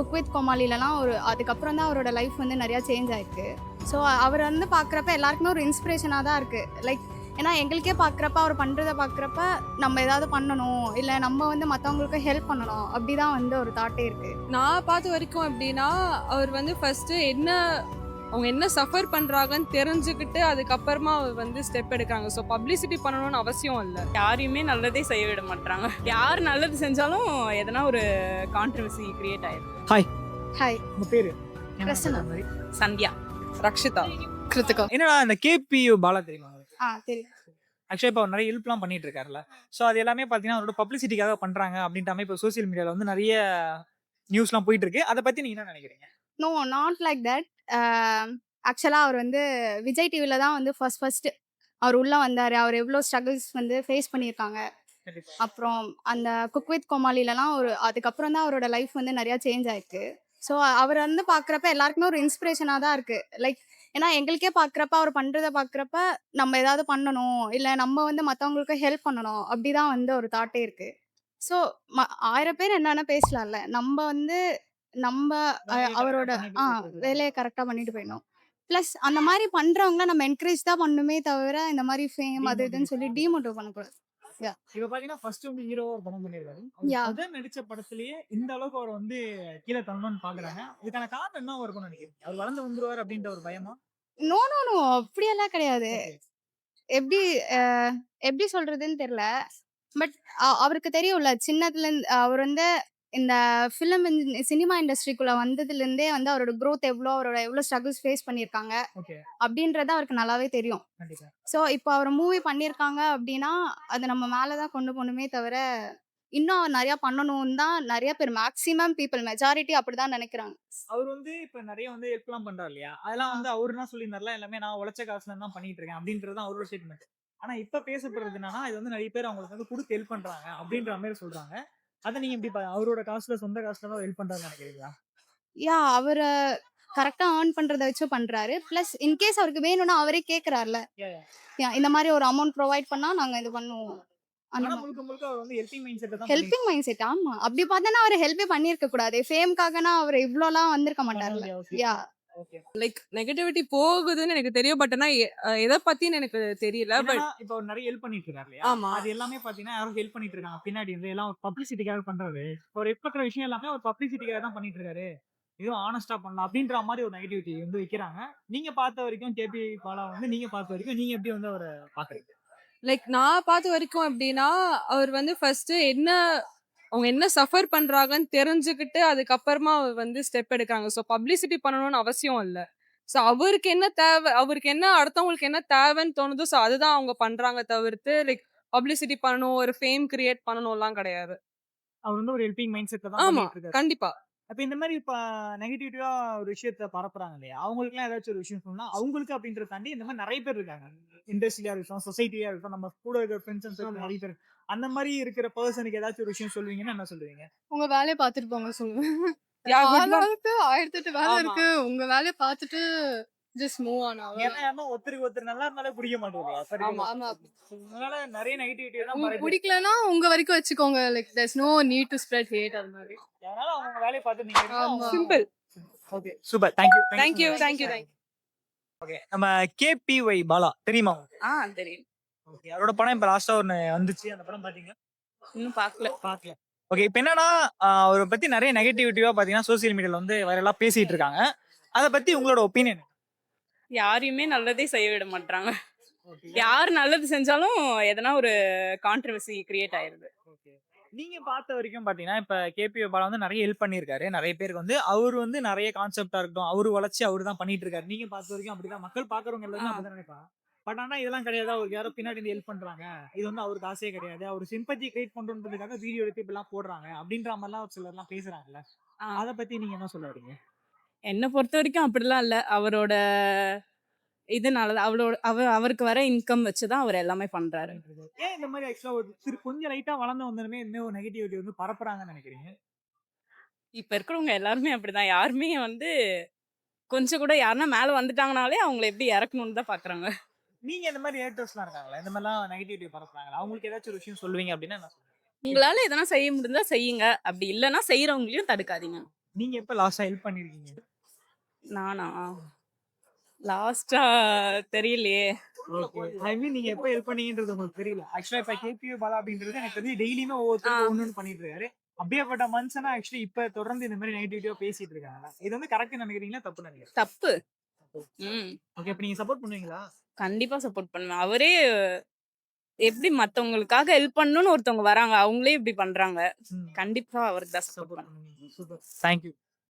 Cook with கோமாளிலலாம் அதுக்கப்புறம் தான் அவரோட லைஃப் வந்து நிறையா சேஞ்ச் ஆயிருக்கு. ஸோ அவர் வந்து பார்க்குறப்ப எல்லாருக்குமே ஒரு இன்ஸ்பிரேஷனாக தான் இருக்குது. லைக் ஏன்னா எங்களுக்கே பார்க்குறப்ப அவர் பண்ணுறத பார்க்குறப்ப நம்ம ஏதாவது பண்ணணும், இல்லை நம்ம வந்து மற்றவங்களுக்கு ஹெல்ப் பண்ணணும், அப்படி தான் வந்து ஒரு தாட்டே இருக்குது. நான் பார்த்த வரைக்கும் எப்படின்னா, அவர் வந்து ஃபர்ஸ்ட்டு அவங்க என்ன சஃபர் பண்ணுறாங்கன்னு தெரிஞ்சுக்கிட்டு அதுக்கப்புறமா அவர் வந்து ஸ்டெப் எடுக்கிறாங்க. ஸோ பப்ளிசிட்டி பண்ணணும்னு அவசியம் இல்லை. யாரையுமே நல்லதே செய்ய விட மாட்டாங்க. யார் நல்லது செஞ்சாலும் எதனா ஒரு கான்ட்ரவர்சி கிரியேட் ஆயிடும். ஹாய், உங்க பேரு பிரசன்னா. சந்தியா, ரக்ஷிதா, கிருத்திகா. என்னடா இந்த கேபியு பாலா தெரியுமா? தெரியும். ஆக்சுவலா இப்போ அவர் நிறைய ஹெல்ப்லாம் பண்ணிட்டு இருக்காருல்ல. ஸோ அது எல்லாமே பார்த்தீங்கன்னா அவரோட பப்ளிசிட்டிக்காக பண்றாங்க அப்படின்ற மாதிரி இப்போ சோசியல் மீடியாவில் வந்து நிறைய நியூஸ்லாம் போயிட்டு இருக்கு. அதை பத்தி நீங்க என்ன நினைக்கிறீங்க? No, not like that. ஆக்சுவலாக அவர் வந்து விஜய் டிவியில் தான் வந்து ஃபர்ஸ்ட் அவர் உள்ளே வந்தார். அவர் எவ்வளோ ஸ்ட்ரகிள்ஸ் வந்து ஃபேஸ் பண்ணியிருக்காங்க. அப்புறம் அந்த குக் வித் கோமாளிலலாம் அதுக்கப்புறம் தான் அவரோட லைஃப் வந்து நிறையா சேஞ்ச் ஆயிருக்கு. ஸோ அவர் வந்து பார்க்குறப்ப எல்லாருக்குமே ஒரு இன்ஸ்பிரேஷனாக தான் இருக்குது. லைக் ஏன்னா எங்களுக்கே பார்க்குறப்ப அவர் பண்ணுறத பார்க்குறப்ப நம்ம ஏதாவது பண்ணணும், இல்லை நம்ம வந்து மற்றவங்களுக்கு ஹெல்ப் பண்ணணும், அப்படி தான் வந்து ஒரு தாட்டே இருக்குது. ஸோ 1000 பேர் என்னென்ன பேசலாம்ல, நம்ம வந்து நம்ம அவரோட வேலையை கரெக்டாக பண்ணிட்டு போயிடணும். ப்ளஸ் அந்த மாதிரி பண்ணுறவங்கள நம்ம என்கரேஜ் தான் பண்ணணுமே தவிர இந்த மாதிரி ஃபேம் அது இதுன்னு சொல்லி டிமோட்டிவ் பண்ணக்கூடாது. இப்ப பாத்தீங்கன்னா ஃபர்ஸ்ட் வந்து ஹீரோவா ஒரு படம் பண்ணிருக்காரு. முதல் நடிச்ச படத்திலேயே இந்த அளவுக்கு அவர் வந்து கீழே தள்ளணும்னு பாக்குறாங்க. இதுக்கான காரணம் என்ன இருக்கும்னு நினைக்கிறீங்க? அவர் வளர்ந்து வந்துருவாரு அப்படின்ற ஒரு பயமா? நோ நோ நோ, அப்படியெல்லாம் கிடையாது. எப்படி எப்படி சொல்றதுன்னு தெரியல. பட் அவருக்கு தெரியும்ல, சின்னதுலேருந்து அவர் வந்து இந்த சினிமா இண்டஸ்ட்ரிக்குள்ள வந்ததுலேருந்தே வந்து அவரோட growth எவ்வளோ, அவரோட எவ்வளோ ஸ்ட்ரகிள்ஸ் ஃபேஸ் பண்ணியிருக்காங்க ஓகே, அப்படின்றது அவருக்கு நல்லாவே தெரியும். கண்டிப்பா. ஸோ இப்போ அவர் மூவி பண்ணியிருக்காங்க அப்படின்னா அது நம்ம மேலே தான் கொண்டு போகணுமே தவிர இன்னும் அவர் நிறையா பண்ணணும்னு தான் நிறைய பேர், மேக்ஸிமம் பீப்புள், மெஜாரிட்டி அப்படிதான் நினைக்கிறாங்க. அவர் வந்து இப்ப நிறைய வந்து ஹெல்ப்லாம் பண்றாரு இல்லையா? அதெல்லாம் வந்து அவரு என்ன சொல்லியிருந்தாருல, எல்லாமே நான் உழைச்ச காசுல தான் பண்ணிட்டு இருக்கேன் அப்படின்றது தான் அவரோட ஸ்டேட்மெண்ட். ஆனா இப்ப பேசப்படுறது என்னன்னா, இது வந்து நிறைய பேர் அவங்களுக்கு வந்து கொடுத்து ஹெல்ப் பண்றாங்க அப்படின்ற மாதிரி சொல்றாங்க. அதை நீங்க எப்படி அவரோட காசுல, சொந்த காசுல தான் ஹெல்ப் பண்றாருன்னு நினைக்கிறீங்களா? அவர் கரெக்டாக ஏர்ன் பண்ணுறத வச்சு பண்ணுறாரு. ப்ளஸ் இன்கேஸ் அவருக்கு வேணும்னா அவரே கேட்குறாருல, இந்த மாதிரி ஒரு அமௌண்ட் ப்ரொவைட் பண்ணால் நாங்கள் இது பண்ணுவோம். அந்த ஆனா முழுக்க முழுக்க அவர் வந்து ஹெல்பிங் மைண்ட் செட் தான் ஹெல்பிங் மைண்ட் செட். ஆமா, அப்படி பார்த்தோன்னா அவர் ஹெல்ப்பே பண்ணியிருக்க கூடாது. ஃபேம்காகனா அவர் இவ்வளோலாம் வந்திருக்க மாட்டார்ல. Yeah, okay. லைக் நெகட்டிவிட்டி போகுதுன்னு எனக்கு தெரியும். பட் ஆனால் எதை பற்றின்னு எனக்கு தெரியல. பட் இப்போ அவர் நிறைய ஹெல்ப் பண்ணிட்டு இருக்காரு இல்லையா? ஆமா. அது எல்லாமே பாத்தீங்கன்னா யாரும் ஹெல்ப் பண்ணிட்டு இருக்காங்க பின்னாடி இருந்து, எல்லாம் ஒரு பப்ளிசிட்டிக்காக பண்றாரு. ஒரு ஹெல்ப் பண்ற விஷயம் எல்லாமே ஒரு பப்ளிசிட்டிக்காக தான் பண்ணிட்டு இருக்காரு. இதுவும் ஆனஸ்டா பண்ணலாம் அப்படின்ற மாதிரி ஒரு நெகட்டிவிட்டி வந்து வைக்கிறாங்க. நீங்க பார்த்த வரைக்கும் கேபி பாலா வந்து நீங்க பார்த்த வரைக்கும் நீங்க எப்படி வந்து அவரை பாக்குறீங்க? லைக் நான் பார்த்த வரைக்கும் எப்படின்னா, அவர் வந்து ஃபர்ஸ்ட்டு அவங்க என்ன சஃபர் பண்ணுறாங்கன்னு தெரிஞ்சுக்கிட்டு அதுக்கப்புறமா அவர் வந்து ஸ்டெப் எடுக்கிறாங்க. ஸோ பப்ளிசிட்டி பண்ணணும்னு அவசியம் இல்லை. ஸோ அவருக்கு என்ன தேவை, அவருக்கு என்ன அடுத்தவங்களுக்கு என்ன தேவைன்னு தோணுதோ, ஸோ அதுதான் அவங்க பண்ணுறாங்க தவிர்த்து லைக் பப்ளிசிட்டி பண்ணணும், ஒரு ஃபேம் கிரியேட் பண்ணணும்லாம் கிடையாது. அவர் வந்து ஒரு ஹெல்பிங் மைண்ட் செட்ல தான் ஆமா, பண்ணிட்டு இருக்காரு. கண்டிப்பா. அப்ப இந்த மாதிரி இப்ப நெகட்டிவிட்டிவா ஒரு விஷயத்த பரப்புறாங்க இல்லையா? அவங்களுக்குலாம் ஏதாச்சும் ஒரு விஷயம் சொல்லணும்னா, அவங்களுக்கு அப்படின்றத தாண்டி இந்த மாதிரி நிறைய பேர் இருக்காங்க. இண்டஸ்ட்ரியா இருக்கட்டும், சொசைட்டியா இருக்கட்டும், நம்ம கூட இருக்கிற ஃப்ரெண்ட்ஸ் நிறைய பேர். அந்த மாதிரி இருக்கிற பர்சனுக்கு ஏதாச்சும் ஒரு விஷயம் சொல்லுவீங்கன்னா என்ன சொல்லுவீங்க? உங்க வேலையை பார்த்துட்டு போங்க சொல்லுவேன். Yeah, good luck. ஆளாளுக்கு 1008 வேலை ஆமா. இருக்கு. உங்க வேலையை பார்த்துட்டு ஜஸ்ட் மூவ் ஆன் ஆகும். ஏன்னா யாருன்னா ஒருத்தருக்கு ஒருத்தர் நல்லா இருந்தாலே பிடிக்க மாட்டேங்குது. சரி, ஆமா. ஆமா. அதனால நிறைய நெகட்டிவிட்டி தான் உங்களுக்கு பரவுது. பிடிக்கலனா உங்க வரைக்கும் வச்சுக்கோங்க. Like there's no need to spread hate அது மாதிரி. அதனால அவங்க வேலையை பார்த்து நீங்க ஆமா. Simple. Okay, super. Thank you. Thank you. Okay, நம்ம கேபிஒய் பாலா தெரியுமா? தெரியும். ஓகே, அவரோட படம் இப்ப லாஸ்டா ஒன்னு வந்துச்சு. அந்த படம் பாத்தீங்களா? இன்னும் பார்க்கல. ஓகே, இப்போ என்னன்னா அவரை பத்தி நிறைய நெகட்டிவிட்டிவா பாத்தீங்கன்னா சோசியல் மீடியால வந்து வைரலா பேசிட்டு இருக்காங்க. அதை பத்தி உங்களோட ஒப்பீனியன்? யாரையுமே நல்லதே செய்ய விட மாட்டாங்க. யார் நல்லது செஞ்சாலும் எதனா ஒரு கான்ட்ரவர்சி கிரியேட் ஆயிருது. ஓகே, நீங்க பார்த்த வரைக்கும் பாத்தீங்கன்னா இப்ப கேபி பாலா வந்து நிறைய ஹெல்ப் பண்ணியிருக்காரு. நிறைய பேருக்கு வந்து அவர் வந்து நிறைய கான்செப்டா இருக்கட்டும், அவரு வளர்ச்சி அவரு தான் பண்ணிட்டு இருக்காரு. நீங்க பார்த்த வரைக்கும் அப்படிதான் மக்கள் பாக்குறவங்க எல்லாரும் அப்படிதான் நினைப்பாங்க. பட் ஆனா இதெல்லாம் கிடையாது. அவருக்கு யாரோ பின்னாடி இருந்து ஹெல்ப் பண்றாங்க. இது வந்து அவருக்கு காசே கிடையாது. அவர் சிம்பத்தி கிரியேட் பண்றதுக்காக வீடியோ எடுத்து இப்பெல்லாம் போடுறாங்க அப்படின்ற மாதிரிலாம் ஒரு சிலர் எல்லாம் பேசுறாங்கல்ல. அதை பத்தி நீங்க என்ன சொல்ல வரீங்க? என்னை பொறுத்த வரைக்கும் அப்படிலாம் இல்லை. அவரோட இதனால அவருக்கு வர இன்கம் வச்சு தான் அவர் எல்லாமே பண்றாரு. ஏன் இந்த மாதிரி ஆக்சுவலா ஒரு கொஞ்சம் லைட்டா வளர்ந்து வந்ததுமே இன்னும் ஒரு நெகட்டிவிட்டி வந்து பரப்புறாங்கன்னு நினைக்கிறீங்க? இப்ப இருக்கிறவங்க எல்லாருமே அப்படிதான். யாருமே வந்து கொஞ்சம் கூட யாருன்னா மேல வந்துட்டாங்கனாலே அவங்கள எப்படி இறக்கணும்னு தான் பாக்குறாங்க. நீங்க இந்த மாதிரி ஹேட்டர்ஸ்லாம் இருக்காங்களா? இந்த மாதிரிலாம் நெகட்டிவிட்டி பரப்புறாங்களா? அவங்களுக்கு ஏதாச்சும் ஒரு விஷயம் சொல்லுவீங்க அப்படின்னா என்ன சொல்லுவீங்க? உங்களால எதனா செய்ய முடிஞ்சா செய்யுங்க. அப்படி இல்லைன்னா செய்யறவங்களையும் தடுக்காதீங்க. நீங்க எப்ப லாஸ்டா ஹெல்ப் பண்ணிருக்கீங்க? நானா? லாஸ்ட்டா தெரியலையே. ஓகே. ஐ மீன் நீங்க எப்ப ஹெல்ப் பண்ணீங்கன்றது உங்களுக்கு தெரியல. ஆக்சுவலா இப்ப கேபியூ பாலா அப்படின்றது எனக்கு தெரிஞ்சு டெய்லியுமே ஆ. ஒவ்வொருத்தருக்கு ஒண்ணு பண்ணிட்டு இருக்காரு. அப்படியேப்பட்ட மனுஷனா ஆக்சுவலி இப்ப தொடர்ந்து இந்த மாதிரி நெகட்டிவிட்டியா பேசிட்டு இருக்காங்க. இது வந்து கரெக்ட்னு நினைக்கிறீங்களா? தப்பு நினைக்கிறீங்களா? தப்பு. ம். ஓகே. அப்ப நீங்க சப்போர்ட் பண்ணுவீங்களா? கண்டிப்பா சப்போர்ட் பண்ணுவேன். அவரே எப்படி மத்தவங்களுக்காக ஹெல்ப் பண்ணணும்னு ஒருத்தவங்க வராங்க. அவங்களே இப்படி பண்றாங்க. ம். கண்டிப்பா அவருக்கு தான் சப்போர்ட் சப்போர்ட் பண்ணுவேன். பண்ணுவீங்க. சூப்பர். Thank you.